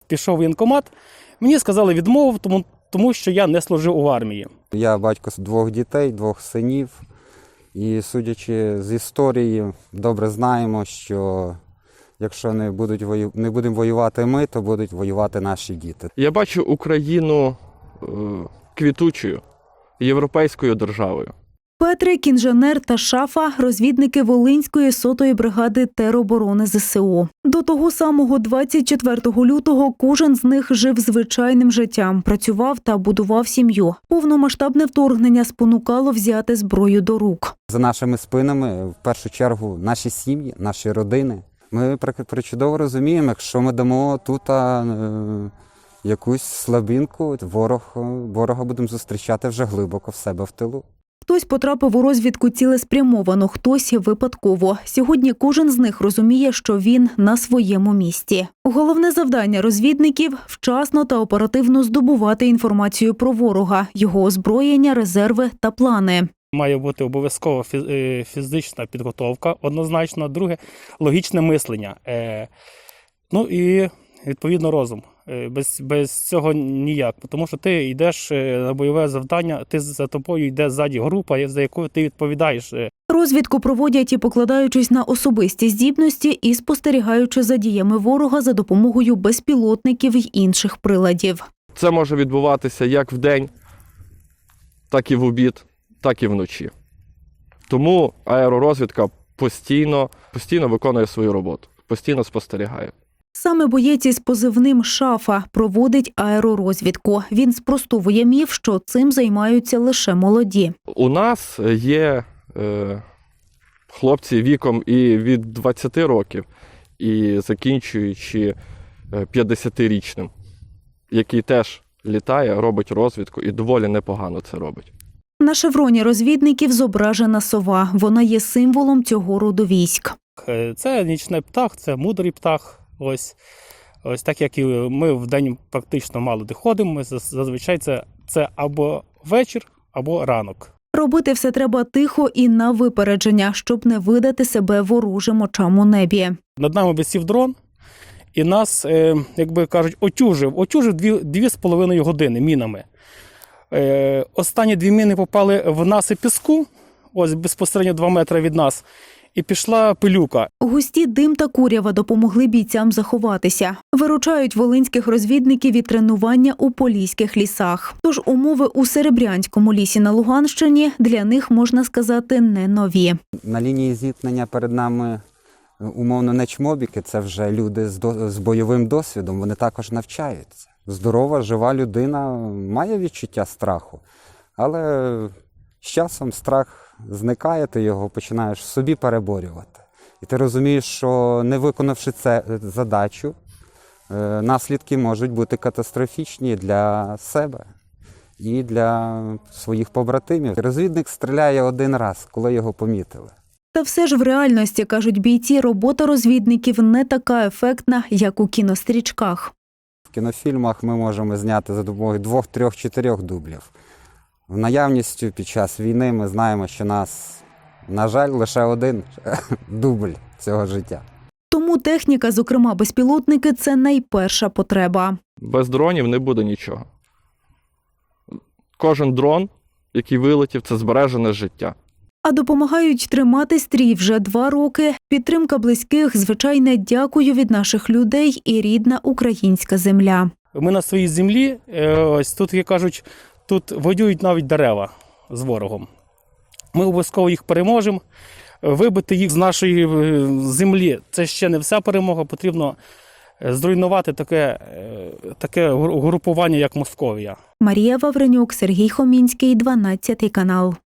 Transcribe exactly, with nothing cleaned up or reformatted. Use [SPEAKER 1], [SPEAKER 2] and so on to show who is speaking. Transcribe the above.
[SPEAKER 1] пішов в воєнкомат, мені сказали відмову, тому, тому що я не служив у армії.
[SPEAKER 2] Я батько двох дітей, двох синів. І судячи з історії, добре знаємо, що якщо не, будуть вою... не будемо воювати ми, то будуть воювати наші діти.
[SPEAKER 3] Я бачу Україну е, квітучою, європейською державою.
[SPEAKER 4] Петрик, інженер та Шафа – розвідники Волинської сотої бригади тероборони зе се о. До того самого двадцять четвертого лютого кожен з них жив звичайним життям, працював та будував сім'ю. Повномасштабне вторгнення спонукало взяти зброю до рук.
[SPEAKER 2] За нашими спинами, в першу чергу, наші сім'ї, наші родини. Ми причудово розуміємо, якщо ми дамо тут е, якусь слабинку, ворог, ворога будемо зустрічати вже глибоко в себе в тилу.
[SPEAKER 4] Хтось потрапив у розвідку цілеспрямовано, хтось випадково. Сьогодні кожен з них розуміє, що він на своєму місці. Головне завдання розвідників – вчасно та оперативно здобувати інформацію про ворога, його озброєння, резерви та плани.
[SPEAKER 1] Має бути обов'язково фізична підготовка, однозначно. Друге – логічне мислення. Ну і, відповідно, розум. Без, без цього ніяк, тому що ти йдеш на бойове завдання, ти за тобою йде ззаді група, за якою ти відповідаєш.
[SPEAKER 4] Розвідку проводять і покладаючись на особисті здібності, і спостерігаючи за діями ворога за допомогою безпілотників й інших приладів.
[SPEAKER 3] Це може відбуватися як вдень, так і в обід, так і вночі. Тому аеророзвідка постійно, постійно виконує свою роботу, постійно спостерігає.
[SPEAKER 4] Саме боєць із позивним «Шафа» проводить аеророзвідку. Він спростовує міф, що цим займаються лише молоді.
[SPEAKER 3] У нас є е, хлопці віком і від двадцяти років, і закінчуючи п'ятдесятирічним, який теж літає, робить розвідку і доволі непогано це робить.
[SPEAKER 4] На шевроні розвідників зображена сова. Вона є символом цього роду військ.
[SPEAKER 1] Це нічний птах, це мудрий птах. Ось, ось так, як і ми вдень практично мало де ходимо, ми зазвичай це, це або вечір, або ранок.
[SPEAKER 4] Робити все треба тихо і на випередження, щоб не видати себе ворожим очам у небі.
[SPEAKER 1] Над нами висів дрон, і нас, е, як би кажуть, отюжив, отюжив дві, дві з половиною години мінами. Е, останні дві міни попали в насип піску, ось безпосередньо два метри від нас. І пішла пилюка.
[SPEAKER 4] Густі дим та курява допомогли бійцям заховатися. Виручають волинських розвідників від тренування у поліських лісах. Тож умови у Серебрянському лісі на Луганщині для них, можна сказати, не нові.
[SPEAKER 2] На лінії зіткнення перед нами умовно не чмобіки, це вже люди з, до... з бойовим досвідом, вони також навчаються. Здорова, жива людина має відчуття страху, але з часом страх зникає, ти його починаєш в собі переборювати. І ти розумієш, що не виконавши цю задачу, наслідки можуть бути катастрофічні для себе і для своїх побратимів. Розвідник стріляє один раз, коли його помітили.
[SPEAKER 4] Та все ж в реальності, кажуть бійці, робота розвідників не така ефектна, як у кінострічках.
[SPEAKER 2] В кінофільмах ми можемо зняти за допомогою двох, трьох, чотирьох дублів. В наявністю під час війни ми знаємо, що нас, на жаль, лише один дубль цього життя.
[SPEAKER 4] Тому техніка, зокрема безпілотники, це найперша потреба.
[SPEAKER 3] Без дронів не буде нічого. Кожен дрон, який вилетів, це збережене життя.
[SPEAKER 4] А допомагають тримати стрій вже два роки. Підтримка близьких, звичайне дякую від наших людей і рідна українська земля.
[SPEAKER 1] Ми на своїй землі, ось тут, як кажуть, тут воюють навіть дерева з ворогом. Ми обов'язково їх переможемо. Вибити їх з нашої землі – це ще не вся перемога. Потрібно зруйнувати таке, таке групування, як Московія.
[SPEAKER 4] Марія Вавренюк, Сергій Хомінський, дванадцятий канал.